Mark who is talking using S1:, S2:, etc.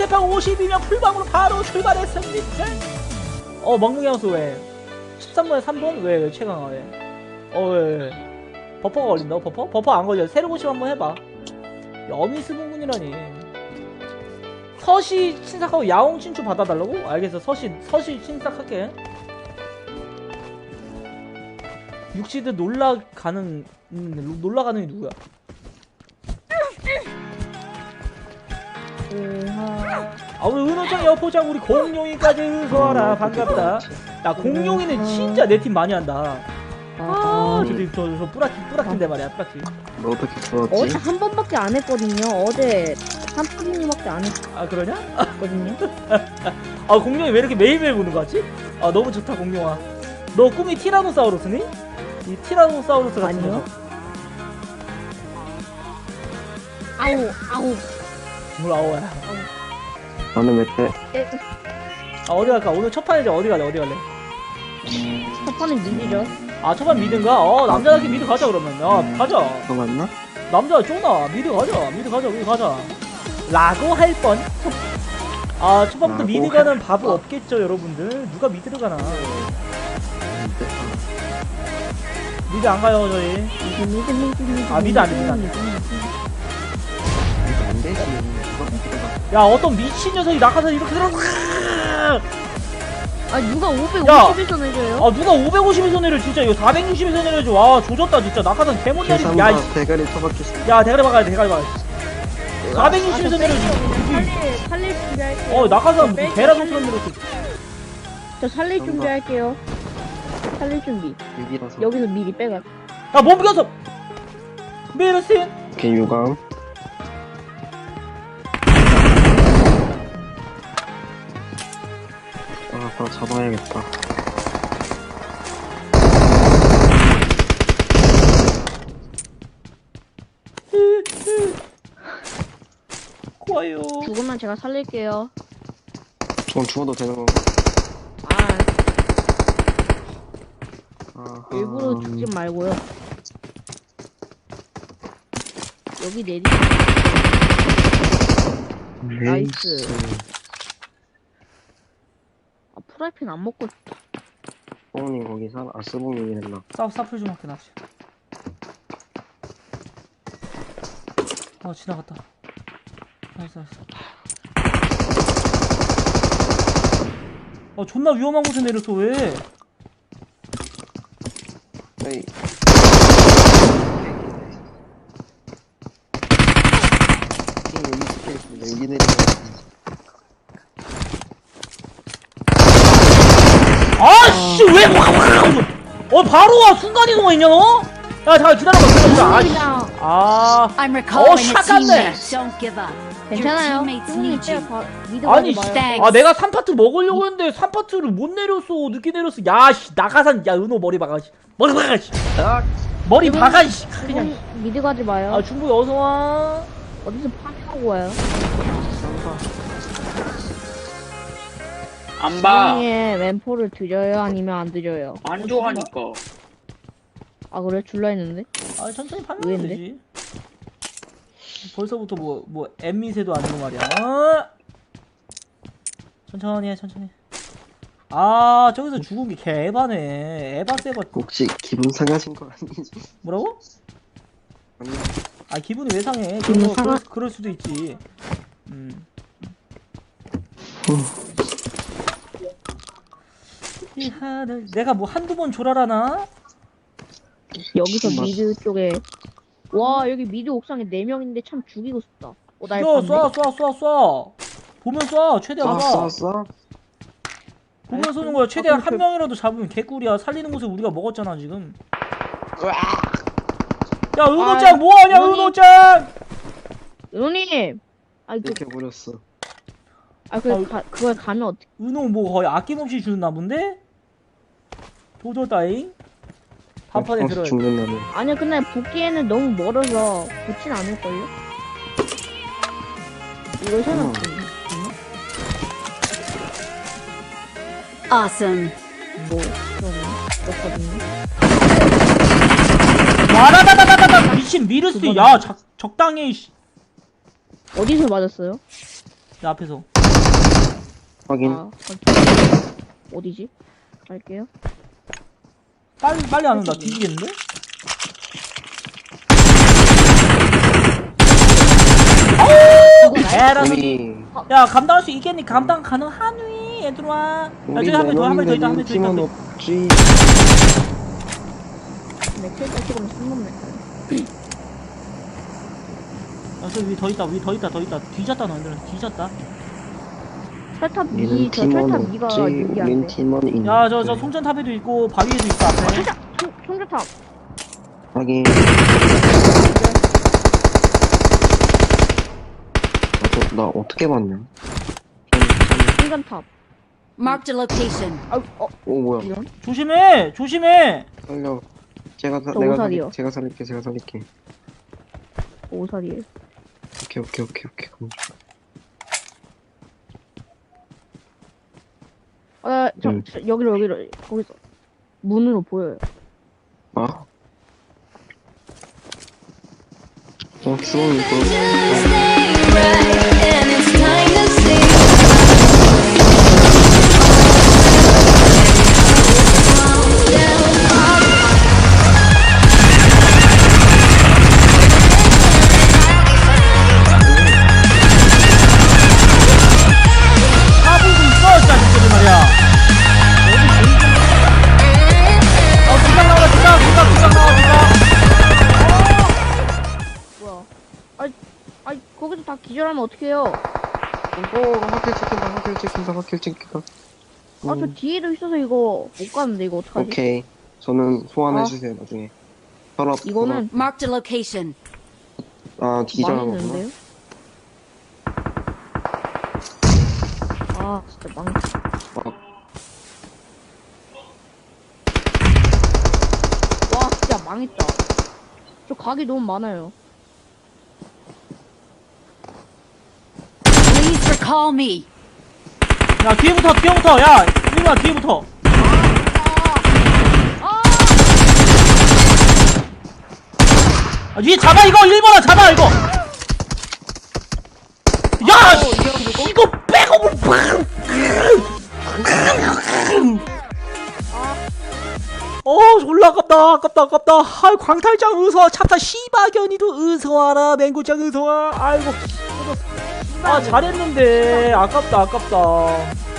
S1: 상대편 52명 풀방으로 바로 출발했습니다. 멍멍이 형수 왜? 13번에 3번? 왜 최강아 왜? 왜? 버퍼가 걸린다고? 버퍼 안 걸려. 새로 고심 한번 해봐. 여미스분군이라니. 서시 친삭하고 야옹 친추 받아달라고? 알겠어. 서시 친삭할게. 육시드 놀라가는 이 누구야? 우리 은호짱 여포장 우리 공룡이까지 은소하라. 반갑다. 야 공룡이는 진짜 내 팀 많이 한다. 저 뿌라키인데 말이야. 뿌라키.
S2: 너 어떻게 풀었지?
S3: 어제 한 번밖에 안 했거든요. 어제 삼프리님밖에 안
S1: 아 그러냐?
S3: 했거든요.
S1: 공룡이 왜 이렇게 매일매일 보는 거 같지? 너무 좋다 공룡아. 너 꿈이 티라노사우루스니? 이 티라노사우루스 같은
S3: 아니요.
S1: 녀석.
S3: 아우.
S1: 뭘 아오야.
S2: 나는 왜 때?
S1: 어디 갈까? 오늘 첫 판이지. 어디 갈래?
S3: 첫 판은 밀리죠.
S1: 첫 판 미드인가? 남자답게 미드 가자 그러면. 가자.
S2: 너 맞나?
S1: 남자 쫑나 미드 가자 라고 할 뻔. 첫 판부터 미드 가는 바보 없겠죠 여러분들. 누가 미드를 가나. 미드 안 가요 저희. 미드 안 돼.
S2: 안 되지.
S1: 야 어떤 미친 녀석이 낙하산 이렇게 들어.
S3: 누가 550에서 내줘요?
S1: 누가 550에서 내려. 진짜 이거 460에서 내려줘. 와 조졌다 진짜. 낙하산 개못 내리지.
S2: 대가리 쳐박혔어.
S1: 야 대가리 박아야 돼. 460에서 내려줘.
S3: 살릴 준비할게요.
S1: 낙하산 무슨 개라도처럼 내렸어.
S3: 저 살릴 준비할게요. 살릴 준비.
S2: 6이라서.
S3: 여기서 미리 빼가.
S1: 못 비겼어. 메르신.
S2: 오케이 유감. 바로 잡아야겠다.
S1: 좋아요.
S3: 죽으면 제가 살릴게요.
S2: 저건 죽어도 되는 건가?
S3: 일부러 죽지 말고요. 여기 내리. 나이스. 프라이팬 안 먹고.
S2: 뽕님 거기 스봉님이 했나?
S1: 사플 좀 할게 납시. 지나갔다. 나이스. 존나 위험한 곳에 내렸어 왜?
S2: 에이. 여기 내리면.
S1: 아씨 왜? 바로 와. 순간이동했냐 너? 야 잠깐 기다려봐. 샷갔네.
S3: 괜찮아요. 형님 때려 미드
S1: 아니
S3: 가지 마요.
S1: 내가 3파트 먹으려고 했는데 3파트를 못 내렸어. 늦게 내렸어. 야씨 낙하산. 야 은호 머리 박아. 머리 박아. 그냥
S3: 미드 가지 마요.
S1: 중국에 어서와.
S3: 어디서 파밍하고 와요?
S4: 안 봐.
S3: 형의 왼포를 드려요? 아니면 안 드려요?
S4: 안 좋아하니까.
S3: 그래? 줄라 했는데?
S1: 천천히 파면
S3: 의외인데?
S1: 되지. 벌써부터 뭐 엠미세도 아니고 말이야. 천천히 해. 저기서 죽은 게 개 에바네. 에바.
S2: 혹시 기분 상하신 거 아니지?
S1: 뭐라고?
S2: 아니.
S1: 기분이 왜 상해?
S3: 기분 상하-
S1: 그럴 수도 있지. 이 하늘 내가 뭐 한두 번 졸아라나?
S3: 여기서 미드 쪽에 와 여기 미드 옥상에 4명인데 참 죽이고 싶다. 날
S1: 쏴.
S3: 봤네.
S1: 보면 쏴. 최대한 쏴.
S2: 쏴.
S1: 보면 쏘는 거야. 최대한 한 명이라도 잡으면 개꿀이야. 살리는 곳에 우리가 먹었잖아 지금. 야 은호짱 뭐하냐 은호짱.
S3: 은호님!
S2: 이렇게 버렸어.
S3: 그걸 가면 어떡해.
S1: 은호 뭐 거의 아낌없이 주는 나무인데? 조졌다잉. 한판에 들어야 돼.
S2: 죽는 나무.
S3: 아니야 근데 붙기에는 너무 멀어서 붙진 않을걸요? 이걸 생각해.
S5: Awesome.
S3: 좀 그렇거든요.
S1: 와라다다다다다 미친 미르스. 야 적당히.
S3: 어디서 맞았어요?
S1: 내 앞에서.
S2: 확인.
S3: 어디지? 갈게요.
S1: 빨리 안 온다. 뒤지겠는데? 에라서.
S2: 우리
S1: 야, 감당할 수 있겠니? 감당 가능하니? 얘들아. 야, 저기 한 명 더, 한 명 더 있다, 한 명 더
S2: 팀은
S1: 있다.
S2: 없지.
S3: 네, 킬다 찍으면 3번
S1: 야, 저기 위 더 있다, 위 더 있다, 더 있다. 뒤졌다, 너희들은. 뒤졌다.
S3: 철탑
S2: 우리는
S3: 2, 저
S2: 팀원
S3: 철탑 2가
S2: 없지.
S3: 유리한데.
S2: 우린 팀원 있는데.
S1: 야, 저 송전탑에도 있고, 바위에도 있어, 앞에.
S3: 철탑! 총조탑!
S2: 확인. 나 어떻게 봤냐?
S3: 충전탑.
S4: Marked a location.
S2: 오 뭐야?
S3: 이런?
S1: 조심해! 조심해!
S2: 살려.
S3: 저 오살이요.
S2: 제가 살릴게.
S3: 오살이에요.
S2: 오케이.
S3: 여기로, 거기서. 문으로 보여요.
S2: 아? 수범이
S1: 하부도 있어, 진짜, 진짜, 말이야. 두장 나오라, 두장 나와,
S3: 뭐야. 아니, 거기서 다 기절하면 어떡해요?
S2: 확킬 찍힌다.
S3: 저 뒤에도 있어서 이거 못 가는데, 이거 어떡하지?
S2: 오케이. 저는 소환해주세요, 나중에. 혈압.
S3: 이거는
S4: Marked a location.
S2: 기절하구나.
S3: 망했는데요? 진짜 망했다. 와, 진짜 망했다. 저 각이 너무 많아요.
S4: Please recall me.
S1: 야, 뒤에부터, 야, 이리와, 뒤에부터. 위에 잡아, 이거, 1번아, 잡아, 이거. 야, 이거 백업을, 졸라 아깝다. 아이, 광탈장 의서, 차타 시바견이도 의서와라, 맹구장 의서와. 아이고, 잘했는데, 아깝다.